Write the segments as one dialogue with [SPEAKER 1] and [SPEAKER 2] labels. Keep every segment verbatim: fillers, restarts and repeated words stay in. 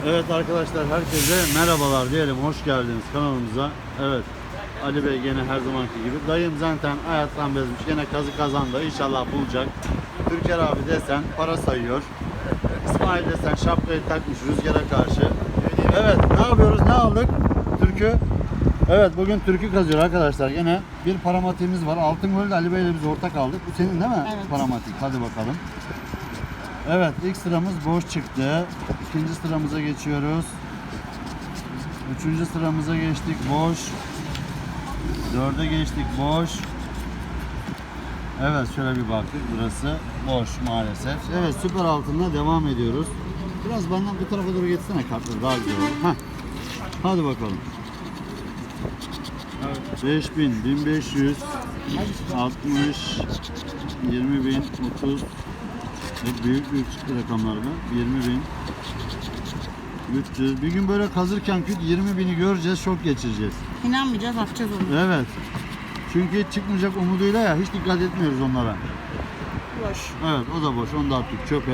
[SPEAKER 1] Evet arkadaşlar, herkese merhabalar diyelim, hoş geldiniz kanalımıza. Evet, Ali Bey gene her zamanki gibi. Dayım zaten hayattan bezmiş, gene kazı kazandı, inşallah bulacak. Türker abi desen para sayıyor. İsmail desen şapkayı takmış rüzgara karşı. Evet, ne yapıyoruz, ne aldık? Türkü. Evet, bugün türkü kazıyor arkadaşlar. Gene bir paramatiğimiz var. Altın Göl'de Ali Bey ile biz ortak aldık. Bu senin değil mi?
[SPEAKER 2] Evet.
[SPEAKER 1] Paramatik. Hadi bakalım. Evet, ilk sıramız boş çıktı. İkinci sıramıza geçiyoruz. Üçüncü sıramıza geçtik, boş. Dörde geçtik, boş. Evet, şöyle bir baktık, burası boş maalesef. Evet, süper altınla devam ediyoruz. Biraz benden bu tarafa doğru geçsene, kartları daha güzel olur. Heh. Hadi bakalım. beş bin, bin beş yüz, altmış, yirmi bin, otuz. Hep büyük büyük çıktı rakamlar mı? yirmi bin, üç yüz. Bir gün böyle kazırken yirmi bini göreceğiz, şok geçireceğiz.
[SPEAKER 2] İnanmayacağız, atacağız onu.
[SPEAKER 1] Evet. Çünkü çıkmayacak umuduyla ya, hiç dikkat etmiyoruz onlara.
[SPEAKER 2] Boş.
[SPEAKER 1] Evet, o da boş. Onu da attık çöpe.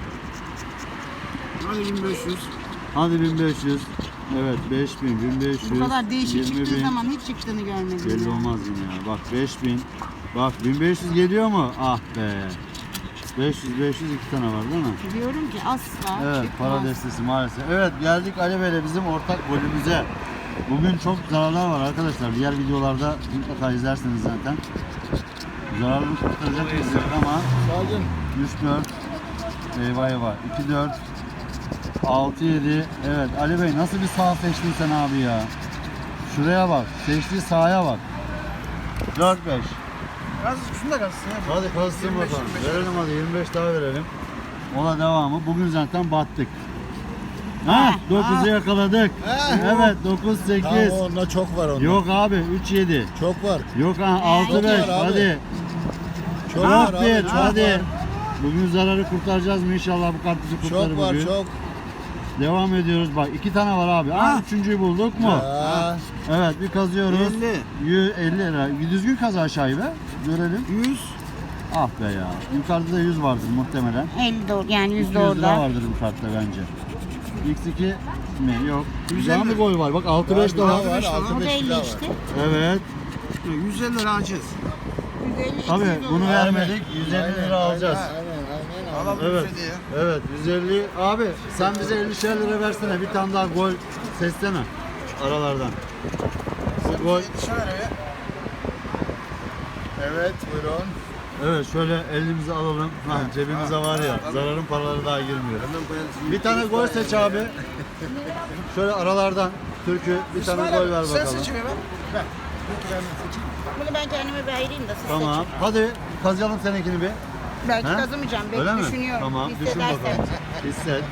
[SPEAKER 3] Hadi bin beş yüz.
[SPEAKER 1] Hadi bin beş yüz. Evet, beş bin, bin beş yüz.
[SPEAKER 2] Bu kadar değişik
[SPEAKER 1] yirmi
[SPEAKER 2] çıktığı
[SPEAKER 1] bin.
[SPEAKER 2] zaman hiç çıktığını görmedim.
[SPEAKER 1] Belli
[SPEAKER 2] ya.
[SPEAKER 1] olmaz yine ya. Bak beş bin. Bak bin beş yüz geliyor mu? Ah be. beş yüz, beş yüz iki tane var değil mi?
[SPEAKER 2] Diyorum ki asla
[SPEAKER 1] Evet,
[SPEAKER 2] çıkmaz.
[SPEAKER 1] para destesi maalesef. Evet, geldik Ali Bey'le bizim ortak golümüze. Bugün çok zararlar var arkadaşlar. Diğer videolarda mutlaka izlersiniz zaten. Zararını kurtaracak mıyız ama
[SPEAKER 3] Sağcın.
[SPEAKER 1] üç dört. Eyvah eyvah. iki dört. altı yedi. Evet, Ali Bey nasıl bir sağ seçtin sen abi ya? Şuraya bak. Seçtiği sahaya bak. dört beş.
[SPEAKER 3] Gaz şunu da gazsın ya.
[SPEAKER 1] Hadi kalsın
[SPEAKER 3] yirmi beş,
[SPEAKER 1] bakalım.
[SPEAKER 3] yirmi beş.
[SPEAKER 1] Verelim hadi, yirmi beş daha verelim. Ona devamı. Bugün zaten battık. Ha, dokuzu yakaladık.
[SPEAKER 3] Ha.
[SPEAKER 1] Evet, dokuz sekiz.
[SPEAKER 3] Tamam, onda çok var onda.
[SPEAKER 1] Yok abi, üç yedi.
[SPEAKER 3] Çok var.
[SPEAKER 1] Yok ha, altı beş.
[SPEAKER 3] var abi.
[SPEAKER 1] Hadi.
[SPEAKER 3] Çok
[SPEAKER 1] Ah
[SPEAKER 3] var
[SPEAKER 1] bir,
[SPEAKER 3] abi. Çok
[SPEAKER 1] hadi.
[SPEAKER 3] var.
[SPEAKER 1] Bugün zararı kurtaracağız mı inşallah, bu kart bizi kurtarır
[SPEAKER 3] Çok var
[SPEAKER 1] bugün.
[SPEAKER 3] çok.
[SPEAKER 1] Devam ediyoruz bak, iki tane var abi. Ah, üçüncüyü bulduk mu?
[SPEAKER 3] Ha.
[SPEAKER 1] Evet, bir kazıyoruz.
[SPEAKER 3] elli.
[SPEAKER 1] yüz elli lira. Bir düzgün kaz aşağıyı be. Görelim.
[SPEAKER 3] yüz.
[SPEAKER 1] Ah be ya. Yukarıda da yüz vardır muhtemelen.
[SPEAKER 2] elli doğru, yani yüzde
[SPEAKER 1] iki yüz lira
[SPEAKER 2] orada.
[SPEAKER 1] vardır bu kartta bence. X iki mi? Yok.
[SPEAKER 3] yüz
[SPEAKER 1] Güzel
[SPEAKER 3] elli.
[SPEAKER 1] bir gol var. Bak altı beş
[SPEAKER 3] Var,
[SPEAKER 1] daha.
[SPEAKER 3] var, var.
[SPEAKER 2] O
[SPEAKER 3] altı
[SPEAKER 2] da
[SPEAKER 3] beş
[SPEAKER 2] elli
[SPEAKER 3] daha var.
[SPEAKER 2] işte.
[SPEAKER 1] Evet.
[SPEAKER 3] yüz elli lira aciz.
[SPEAKER 2] yüz elli,
[SPEAKER 1] Tabii
[SPEAKER 2] iki yüz
[SPEAKER 1] bunu
[SPEAKER 2] olur.
[SPEAKER 1] vermedik. yüz elli lira alacağız.
[SPEAKER 3] Aynen aynen. aynen. Alalım
[SPEAKER 1] Evet.
[SPEAKER 3] yüz elliye.
[SPEAKER 1] Evet, yüz elli. Abi sen bize ellişer lira versene. Bir tane daha gol seçsene aralardan. Bu gol.
[SPEAKER 3] Yetişe ver eve. Evet buyurun.
[SPEAKER 1] Evet, şöyle elimize alalım. Ha, cebimize var ya. Zararın paraları daha girmiyor. Bir tane gol seç abi. Şöyle aralardan Türk'ü bir tane gol ver
[SPEAKER 3] Sen
[SPEAKER 1] bakalım.
[SPEAKER 3] seçimi ver. Ver.
[SPEAKER 2] Bunu ben kendime bir ayırayım da siz
[SPEAKER 1] Tamam.
[SPEAKER 2] seçin.
[SPEAKER 1] Hadi kazıyalım seninkini bir.
[SPEAKER 2] Belki
[SPEAKER 1] He?
[SPEAKER 2] kazımayacağım.
[SPEAKER 1] Öyle
[SPEAKER 2] Belki
[SPEAKER 1] mi?
[SPEAKER 2] düşünüyorum.
[SPEAKER 1] Tamam. Düşün
[SPEAKER 2] Hissedersen.
[SPEAKER 1] bakalım. Hisset.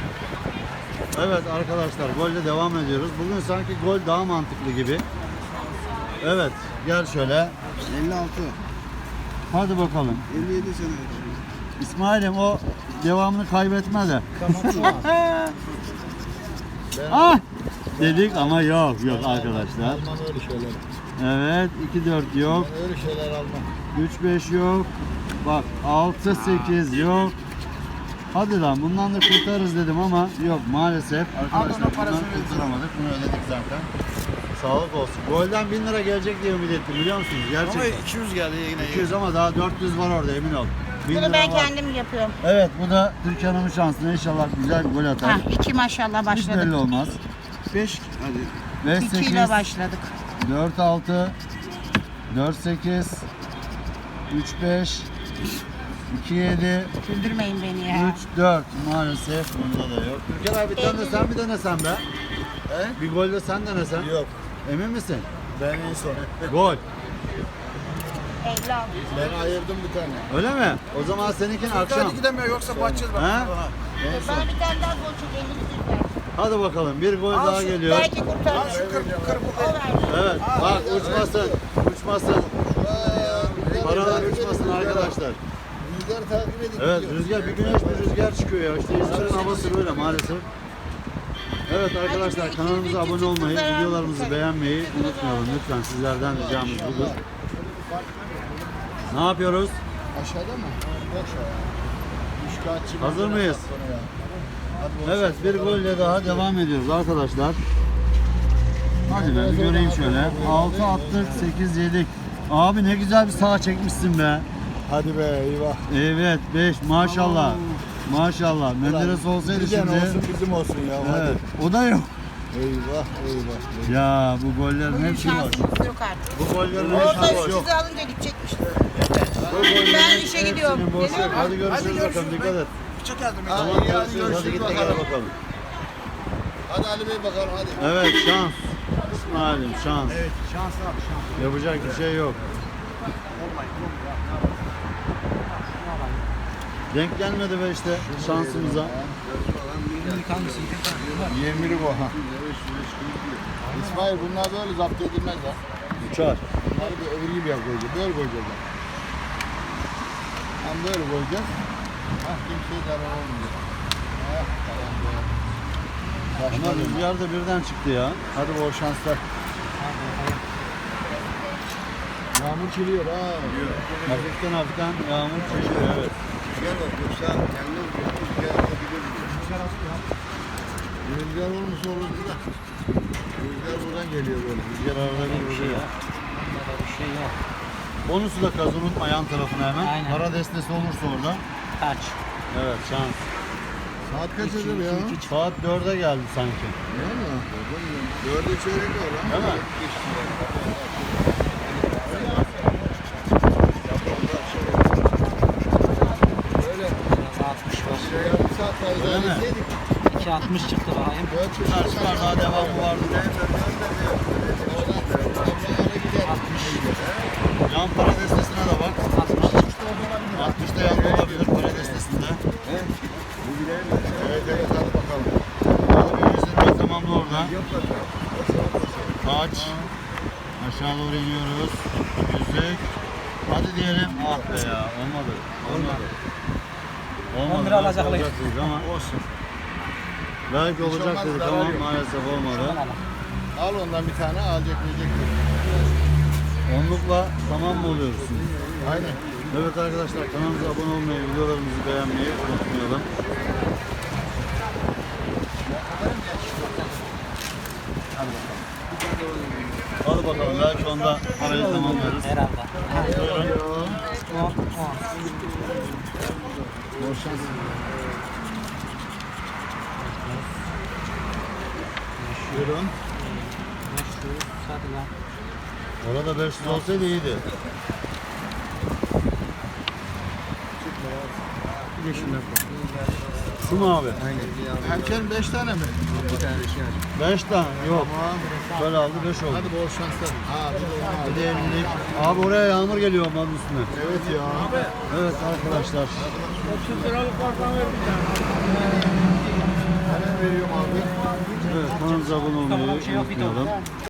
[SPEAKER 1] Evet arkadaşlar, golle devam ediyoruz. Bugün sanki gol daha mantıklı gibi. Evet. Gel şöyle.
[SPEAKER 3] elli altı.
[SPEAKER 1] Hadi bakalım.
[SPEAKER 3] elli yedi sene.
[SPEAKER 1] İsmail'im o devamını kaybetme de.
[SPEAKER 3] Tamam tamam.
[SPEAKER 1] Ah! Dedik ama yok yok arkadaşlar.
[SPEAKER 3] Almam öyle şeyler.
[SPEAKER 1] Evet, iki dört yok.
[SPEAKER 3] Ben öyle şeyler almam.
[SPEAKER 1] üç beş yok. Bak altı sekiz yok. Hadi lan, bundan da kurtarırız dedim ama yok maalesef. Arkadaşlar
[SPEAKER 3] Al, onun parasını
[SPEAKER 1] bundan kurtaramadık. Bunu ödedik zaten. Sağlık olsun. Golden bin lira gelecek diye ümit ettim, biliyor musunuz?
[SPEAKER 3] Ama
[SPEAKER 1] Gerçekten.
[SPEAKER 3] iki yüz geldi yine.
[SPEAKER 1] iki yüz ama daha dört yüz var orada, emin ol. bin
[SPEAKER 2] Bunu
[SPEAKER 1] lira
[SPEAKER 2] ben
[SPEAKER 1] var.
[SPEAKER 2] kendim yapıyorum.
[SPEAKER 1] Evet, bu da Türkiye Hanım'ın şansına, inşallah güzel bir gol atar.
[SPEAKER 2] Ha, iki maşallah
[SPEAKER 1] Hiç
[SPEAKER 2] başladık.
[SPEAKER 1] belli olmaz.
[SPEAKER 3] beş. Hadi.
[SPEAKER 1] beş
[SPEAKER 2] İki
[SPEAKER 1] sekiz,
[SPEAKER 2] ile başladık.
[SPEAKER 1] dört altı, dört sekiz, üç beş, iki yedi,
[SPEAKER 2] Güldürmeyin beni ya.
[SPEAKER 1] üç dört. Maalesef bunda da yok. Türker abi bir tane de sen bir denesen be.
[SPEAKER 3] He?
[SPEAKER 1] Bir gol de sen denesen.
[SPEAKER 3] Yok.
[SPEAKER 1] Emin misin?
[SPEAKER 3] Ben en son.
[SPEAKER 1] Gol.
[SPEAKER 2] elli altı.
[SPEAKER 3] Ben ayırdım bir tane.
[SPEAKER 1] Öyle mi? O zaman seninkini akşam.
[SPEAKER 3] Hadi gidemiyor yoksa bakacağız bak.
[SPEAKER 1] He?
[SPEAKER 3] Aha.
[SPEAKER 2] Bana bir tane daha gol çek, elli yüz ver.
[SPEAKER 1] Hadi bakalım, bir gol
[SPEAKER 3] Al
[SPEAKER 1] daha
[SPEAKER 3] şu-
[SPEAKER 1] geliyor.
[SPEAKER 2] Belki kurtarır.
[SPEAKER 3] Al şu kırk kırk
[SPEAKER 2] O verdi.
[SPEAKER 1] Evet, bak uçmasın. Uçmasın. Paralar uçmasın arkadaşlar.
[SPEAKER 3] Rüzgar takip edin.
[SPEAKER 1] Evet, rüzgar, bir güneş bir rüzgar çıkıyor ya. İşte İzmir'in havası böyle maalesef. Evet arkadaşlar, kanalımıza abone olmayı, videolarımızı beğenmeyi unutmayalım lütfen. Sizlerden ricamız budur. Ne yapıyoruz?
[SPEAKER 3] Aşağıda mı? Boş ver. Üç kağıtçı.
[SPEAKER 1] Hazır mıyız? Evet, bir golle daha devam ediyoruz arkadaşlar. Hadi ben bir göreyim şöyle. altı attık, sekiz yedik. Abi ne güzel bir sağa çekmişsin be.
[SPEAKER 3] Hadi be eyvah.
[SPEAKER 1] Evet, beş maşallah. Maşallah. Menderes olsaydı
[SPEAKER 3] Bizden
[SPEAKER 1] şimdi.
[SPEAKER 3] olsun bizim olsun ya.
[SPEAKER 1] Evet, o da yok.
[SPEAKER 3] Hadi. Eyvah eyvah.
[SPEAKER 1] Ya bu gollerin
[SPEAKER 2] Bugün
[SPEAKER 1] hepsi boş.
[SPEAKER 2] şansımız yok artık.
[SPEAKER 1] Bu gollerin
[SPEAKER 2] Orada
[SPEAKER 1] hepsi boş.
[SPEAKER 2] sizi alınca gidecekmiş.
[SPEAKER 1] Bu gollerin
[SPEAKER 2] Ben işe gidiyorum.
[SPEAKER 1] hepsinin boş.
[SPEAKER 2] Geliyor mu?
[SPEAKER 1] Hadi görüşürüz
[SPEAKER 3] Hadi
[SPEAKER 1] bakalım,
[SPEAKER 3] görüşürüz.
[SPEAKER 1] dikkat et.
[SPEAKER 3] Çok yardım et.
[SPEAKER 1] Tamam,
[SPEAKER 3] Hadi, hadi
[SPEAKER 1] görüşürüz. Hadi
[SPEAKER 3] görüşürüz
[SPEAKER 1] git de
[SPEAKER 3] bakalım.
[SPEAKER 1] gel bakalım.
[SPEAKER 3] Hadi Ali Bey bakalım hadi.
[SPEAKER 1] Evet, şans. İsmail'im şans.
[SPEAKER 3] Evet şans abi şans.
[SPEAKER 1] Yapacak bir şey yok. Denk gelmedi be işte şansımıza.
[SPEAKER 3] yirmilik o ha. İsmail bunlar böyle zapt edilmez ha.
[SPEAKER 1] Uçar.
[SPEAKER 3] Bunları bir öbür gibi yap koyacağız. Böyle koyacağız. Hem böyle koyacağız. Hah kimseye zarar olmayacak. Hah tamam be.
[SPEAKER 1] Ama
[SPEAKER 3] Başka bir
[SPEAKER 1] rüzgar da birden çıktı ya.
[SPEAKER 3] Hadi bol şanslar. Yağmur çiliyor ha.
[SPEAKER 1] Hafiften hafiften yağmur çeşiyor, evet.
[SPEAKER 3] Gel bak yoksa kendin rüzgar atabilir. Rüzgar olmuş olur da. Rüzgar buradan geliyor böyle.
[SPEAKER 1] Rüzgar arada bir vuruyor.
[SPEAKER 4] Bir şey yok.
[SPEAKER 1] Bonusu da kaz, unutma yan tarafına hemen.
[SPEAKER 4] Aynen.
[SPEAKER 1] Para destesi olursa orada.
[SPEAKER 4] Kaç?
[SPEAKER 1] Evet, şans.
[SPEAKER 3] Saat kaç eder ya?
[SPEAKER 1] Saat dörde geldi sanki.
[SPEAKER 3] Değil mi? Dörde çeyrek var lan.
[SPEAKER 1] Değil mi?
[SPEAKER 3] Böyle
[SPEAKER 4] altmış var.
[SPEAKER 3] şey yarım saat daha
[SPEAKER 1] Öyle mi?
[SPEAKER 3] ilerleseydik.
[SPEAKER 4] iki altmış çıktı bakayım.
[SPEAKER 3] Dört
[SPEAKER 1] Çıkar çıkar, daha devamı vardı. Yan para destesine de bak.
[SPEAKER 4] altmış çıktı.
[SPEAKER 1] altmışta yan olabilir para destesinde.
[SPEAKER 3] Evet evet hadi bakalım.
[SPEAKER 1] Hadi bir yüz lira tamamla orada. Kaç. Aşağı doğru iniyoruz. Yüzlük. Hadi diyelim. Ah be ya. Olmadı. Olmadı. Olmadı.
[SPEAKER 4] on lira alacaklar.
[SPEAKER 1] Olacak dedik ama
[SPEAKER 3] Olsun.
[SPEAKER 1] belki olacak
[SPEAKER 3] olmaz,
[SPEAKER 1] dedik
[SPEAKER 3] zarar
[SPEAKER 1] ama
[SPEAKER 3] yok.
[SPEAKER 1] maalesef olmadı.
[SPEAKER 3] Al ondan bir tane alacak yiyecek.
[SPEAKER 1] Onlukla tamam mı oluyoruz?
[SPEAKER 3] Aynen.
[SPEAKER 1] Evet arkadaşlar, kanalımıza abone olmayı, videolarımızı beğenmeyi unutmayalım. Hadi bakalım, belki onda parayı tamamlarız.
[SPEAKER 4] Herhalde.
[SPEAKER 1] Buyurun.
[SPEAKER 4] on, on.
[SPEAKER 3] Bol şans. Buyurun.
[SPEAKER 4] beş yüz. Hadi lan.
[SPEAKER 1] Orada beş yüz olsaydı iyiydi.
[SPEAKER 3] Bir de şundan
[SPEAKER 1] Şu mu abi?
[SPEAKER 3] Erken beş tane mi? Bir tane şey
[SPEAKER 1] beş tane. Yok. Böyle aldı, beş oldu.
[SPEAKER 3] Hadi bol şanslar. Ha bir de onu al.
[SPEAKER 1] Bir de ellilik. Abi oraya yağmur geliyor onun üstüne.
[SPEAKER 3] Evet ya.
[SPEAKER 1] Evet arkadaşlar.
[SPEAKER 3] Hemen veriyorum abi.
[SPEAKER 1] Evet, kanalımıza abone olmayı
[SPEAKER 4] Tamam, bir şey yok, bir de
[SPEAKER 1] unutmayalım.